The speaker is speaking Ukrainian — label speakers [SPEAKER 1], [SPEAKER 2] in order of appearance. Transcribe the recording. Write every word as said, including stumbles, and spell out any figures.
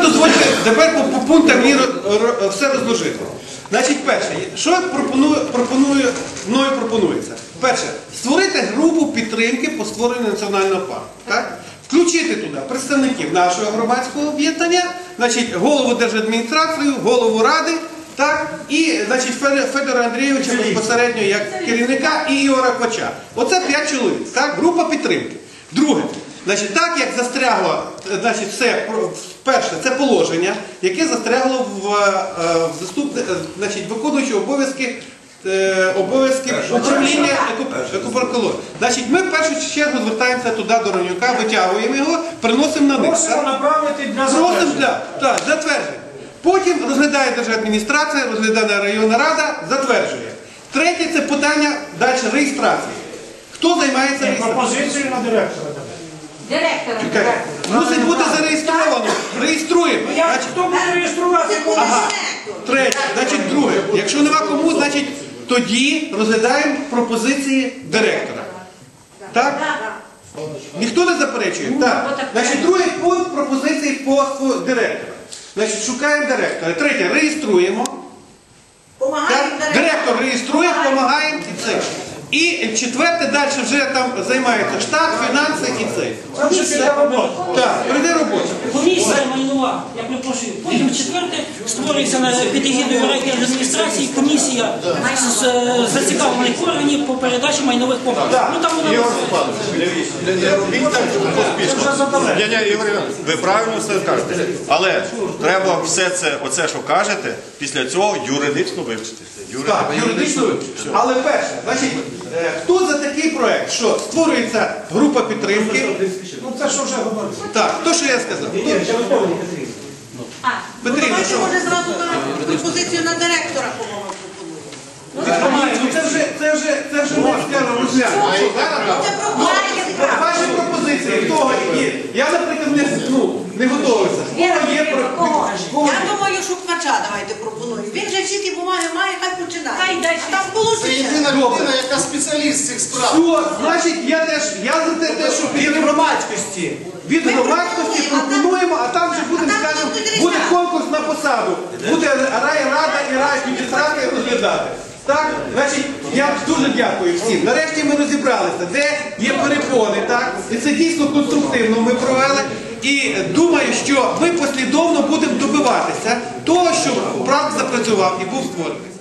[SPEAKER 1] дозвольте тепер по, по пунктам мені все розложити. Значить, перше, що пропоную, пропоную, мною пропонується? Перше, створити групу підтримки по створенню національного парку. Так? Включити туди представників нашого громадського об'єднання, значить, голову держадміністрації, голову ради, так? І значить, Федора Андрійовича безпосередньо як керівника і Ігора Квача. Оце п'ять чоловік, так? Група підтримки. Друге, значить, так як застрягло, значить, все, перше, це положення, яке застрягло в, в заступне, значить, виконуючи обов'язки обов'язки управління екопаркології. Значить, ми в першу чергу звертаємося туди до Ронюка, витягуємо його, приносимо на них.
[SPEAKER 2] Просимо направити для
[SPEAKER 1] затвердження. Так, затвердження. Потім розглядає держадміністрація, розглядає районна рада, затверджує. Третє – це питання далі реєстрації. Хто займається реєстрацією?
[SPEAKER 2] Пропозицію на директора.
[SPEAKER 3] Директора.
[SPEAKER 1] Мусить бути зареєстровано. Реєструємо.
[SPEAKER 2] Хто буде реєструвати?
[SPEAKER 1] Ага. Третє. Значить, друге. Якщо нема кому, значить, тоді розглядаємо пропозиції директора. Так? Ніхто не заперечує? Так. Значить, другий пункт пропозиції по директору. Значить, шукаємо директора. Третє. Реєструємо. Директор реєструє, допомагаємо і це. І четверте, далі вже там займається штат, фінанси і це. Так, прийде робота.
[SPEAKER 4] Комісія майнова, я перепрошую. Потім четверте створюється на під егідою райдержадміністрації комісія з зацікавлених органів по передачі майнових комплексів. Ну там вона
[SPEAKER 5] не робіть так поспішно. Ігор Іванович, ви правильно все кажете. Але треба все це, оце, що кажете, після цього юридично вивчити.
[SPEAKER 1] Так, юридично вивчити. Але перше, значить, хто за такий проект, що створюється група підтримки?
[SPEAKER 2] Ну це що вже говориться.
[SPEAKER 1] Так, то, що я сказав. Петрівна, що?
[SPEAKER 3] Може зразу пропозицію на директора, по-моєму, пропонують.
[SPEAKER 1] Це вже, це вже, це вже ми скажемо розглянемо. Ваші пропозиції, того, які, я, наприклад, не, ну, не готовився.
[SPEAKER 3] Я думаю, що Квача давайте пропоную. Він же всі ті бумаги має, хай починає. Хай дай. Там
[SPEAKER 6] Це єдина людина, яка спеціаліст цих справ.
[SPEAKER 1] Все, значить, я теж, я за те, що від громадськості, від громадськості пропонуємо, а там вже будемо, скажімо, буде конкурс на посаду. Буде райрада і райадміністрація розглядати. Так? Значить, я дуже дякую всім. Нарешті ми розібралися, де є перепони, так? І це дійсно конструктивно ми провели. І думаю, що ми послідовно будемо добиватися того, щоб парк запрацював і був створений.